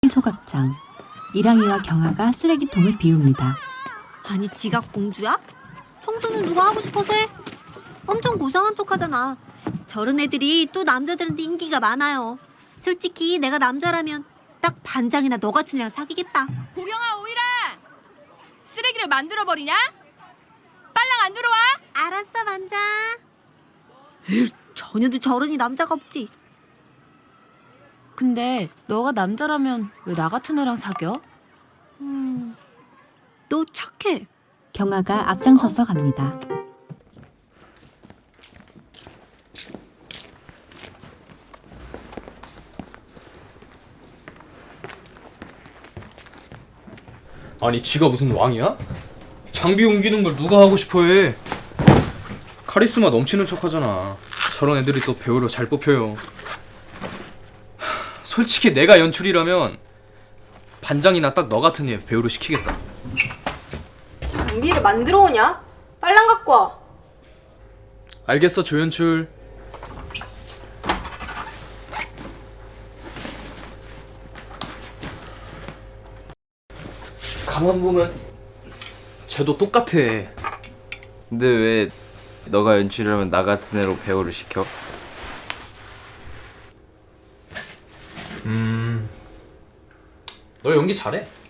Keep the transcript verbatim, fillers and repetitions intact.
소각장. 이랑이와 경아가 쓰레기통을 비웁니다. 아니 지가 공주야? 청소는 누가 하고 싶어서 해? 엄청 고상한 척하잖아. 저런 애들이 또 남자들한테 인기가 많아요. 솔직히 내가 남자라면 딱 반장이나 너 같은 애랑 사귀겠다. 보경아, 오이라! 쓰레기를 만들어버리냐? 빨랑 안 들어와? 알았어 반장. 으, 전혀도 저런이 남자가 없지. 근데 너가 남자라면 왜 나 같은 애랑 사겨? 음, 너 착해. 경아가 앞장서서 갑니다. 아니 지가 무슨 왕이야? 장비 옮기는 걸 누가 하고 싶어해? 카리스마 넘치는 척하잖아. 저런 애들이 또 배우로 잘 뽑혀요. 하, 솔직히 내가 연출이라면 반장이나 딱 너 같은 애 배우로 시키겠다. 장비를 만들어 오냐? 빨랑 갖고 와. 알겠어 조연출. 가만 보면 쟤도 똑같아. 근데 왜 너가 연출하면 나 같은 애로 배우를 시켜? 음, 너 연기 잘해.